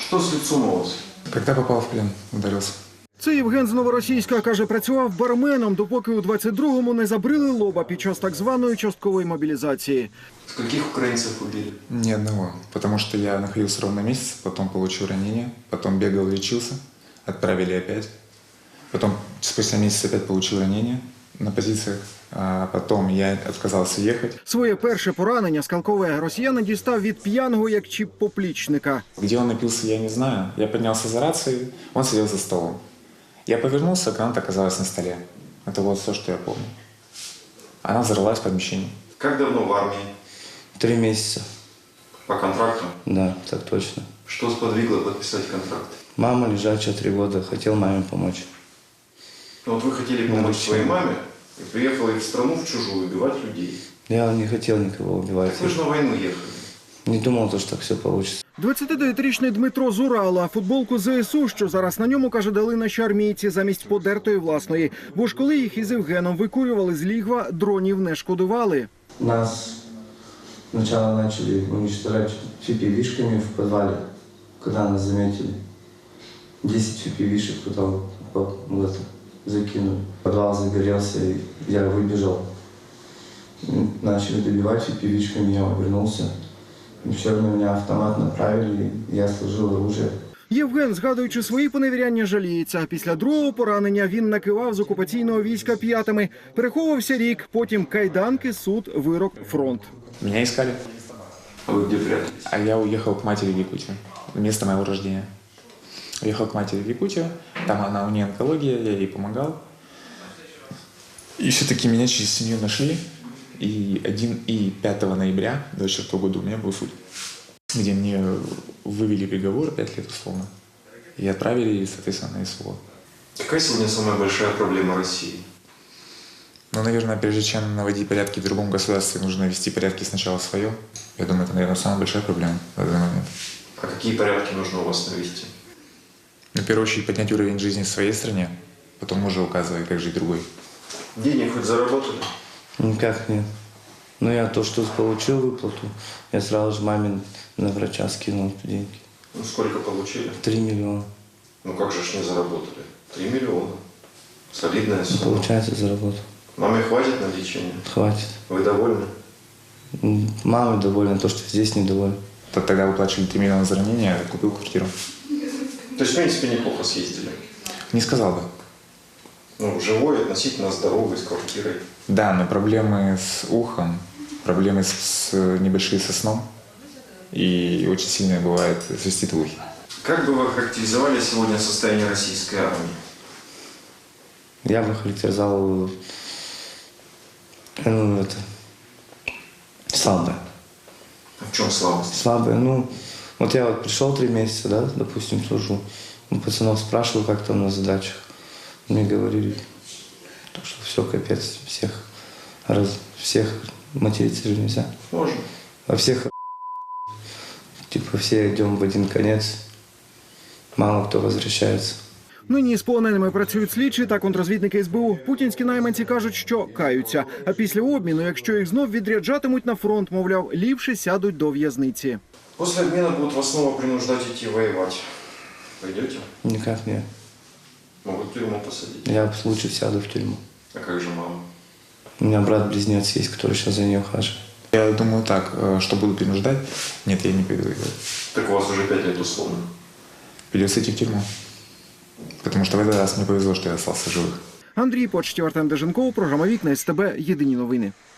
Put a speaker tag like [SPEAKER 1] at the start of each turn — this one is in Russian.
[SPEAKER 1] Что с лицом у вас?
[SPEAKER 2] Когда попал в плен, ударился.
[SPEAKER 3] Це Євген з Новоросійська, каже, працював барменом, допоки у 22-му не забрили лоба під час так званої часткової мобілізації.
[SPEAKER 1] Каких украинцев убили?
[SPEAKER 2] Ни одного. Потому что я находился ровно месяц, потом получил ранение, потом бегал, лечился, отправили опять. Потом спустя месяц опять получил ранение на позициях, а потом я отказался ехать.
[SPEAKER 3] Своє перше поранення скалкове росіянин дістав від п'яного як чіп-поплічника.
[SPEAKER 2] Где он напился, я не знаю. Я поднялся за рацией, он сидел за столом. Я повернулся, граната оказалась на столе. Это вот все, что я помню. Она взорвалась в помещении.
[SPEAKER 1] Как давно в армии?
[SPEAKER 4] 3 месяца.
[SPEAKER 1] По контракту?
[SPEAKER 4] Да, так точно.
[SPEAKER 1] Что сподвигло подписать контракт?
[SPEAKER 4] Мама лежачая 3 года, хотел маме помочь.
[SPEAKER 1] Ну, вот вы хотели помочь своей маме и приехали в страну, в чужую, убивать людей.
[SPEAKER 4] Я не хотел никого убивать.
[SPEAKER 1] Так вы же на войну ехали.
[SPEAKER 4] Не думал, что так все получится.
[SPEAKER 3] 29-річний Дмитро з Урала. Футболку ЗСУ, що зараз на ньому, каже, дали наші армійці замість подертої власної. Бо ж коли їх із Євгеном викурювали з лігва, дронів не шкодували.
[SPEAKER 4] Нас сначала начали уничтожать фипи-вишками в подвале, когда нас заметили. 10 фипи-вишек туда вот в это закинули. Подвал загорелся, и я выбежал. Начали добивать фипи-вишками, я вернулся. И все равно меня автомат направили, и я сложил оружие.
[SPEAKER 3] Євген, згадуючи свої поневіряння, жаліється. Після другого поранення він накивав з окупаційного війська п'ятами. Переховувався рік, потім кайданки, суд, вирок, фронт.
[SPEAKER 2] Меня искали,
[SPEAKER 1] А вы где прятались?
[SPEAKER 2] а я уехал к матери в Якутию. Место моего рождения. Уехал к матери в Якутию, там у нее онкология, я ей помогал. И все-таки меня через семью нашли. И 5 ноября 2024 года у меня был суд, где мне вывели приговор 5 лет условно. И отправили, соответственно, на СВО.
[SPEAKER 1] Какая сегодня самая большая проблема России?
[SPEAKER 2] Но, наверное, прежде чем наводить порядки в другом государстве, нужно навести порядки сначала в своем. Я думаю, это, наверное, самая большая проблема в данный момент.
[SPEAKER 1] А какие порядки нужно у вас навести?
[SPEAKER 2] Ну, в первую очередь, поднять уровень жизни в своей стране, потом уже указывать, как жить другой.
[SPEAKER 1] Денег хоть заработали?
[SPEAKER 4] Никак нет. Но я то, что получил выплату, я сразу же маме на врача скинул деньги.
[SPEAKER 1] Ну, сколько получили?
[SPEAKER 4] 3 миллиона.
[SPEAKER 1] Ну, как же ж не заработали? 3 миллиона. Солидная сумма.
[SPEAKER 4] Получается, заработал.
[SPEAKER 1] Маме хватит на лечение?
[SPEAKER 4] Хватит.
[SPEAKER 1] Вы довольны?
[SPEAKER 4] Мама довольна, то, что здесь недовольна.
[SPEAKER 2] Тогда выплачивали 3 миллиона за ранение, я купил квартиру.
[SPEAKER 1] То есть, в принципе, неплохо съездили.
[SPEAKER 2] Не сказал бы.
[SPEAKER 1] Ну, живой, относительно здоровый, с квартирой.
[SPEAKER 2] Да, но проблемы с ухом, проблемы небольшие со сном. И очень сильно бывает свистит в ухе.
[SPEAKER 1] Как бы вы характеризовали сегодня состояние российской армии?
[SPEAKER 4] Я бы характеризовал слабое.
[SPEAKER 1] А в чем слабость?
[SPEAKER 4] Слабое, вот я вот пришел 3 месяца, да, допустим, служу. У пацанов спрашиваю, как там на задачах. Мне говорили, что все капец, всех материться же нельзя.
[SPEAKER 1] Можно.
[SPEAKER 4] Во всех типа все идем в один конец, мало кто возвращается.
[SPEAKER 3] Нині з полоненими працюють слідчі та контррозвідники СБУ. Путінські найманці кажуть, що каються. А після обміну, якщо їх знов відряджатимуть на фронт, мовляв, ліпше сядуть до в'язниці.
[SPEAKER 1] После обмена будут вас снова принуждать идти воевать. Пойдете?
[SPEAKER 4] Никак нет.
[SPEAKER 1] Могут в тюрьму посадить.
[SPEAKER 4] Я лучше сяду в тюрьму.
[SPEAKER 1] А как же мама?
[SPEAKER 4] У меня брат-близнец есть, который сейчас за нее ухаживает.
[SPEAKER 2] Я думаю так, что буду принуждать. Нет, я не пойду воевать.
[SPEAKER 1] Так у вас уже 5 лет условно.
[SPEAKER 2] Придется идти в тюрьму. Потому что в этот раз мне повезло, что я остался живых.
[SPEAKER 3] Андрій Почтів, Артем Деженков, програма «Вікна СТБ. Єдині новини».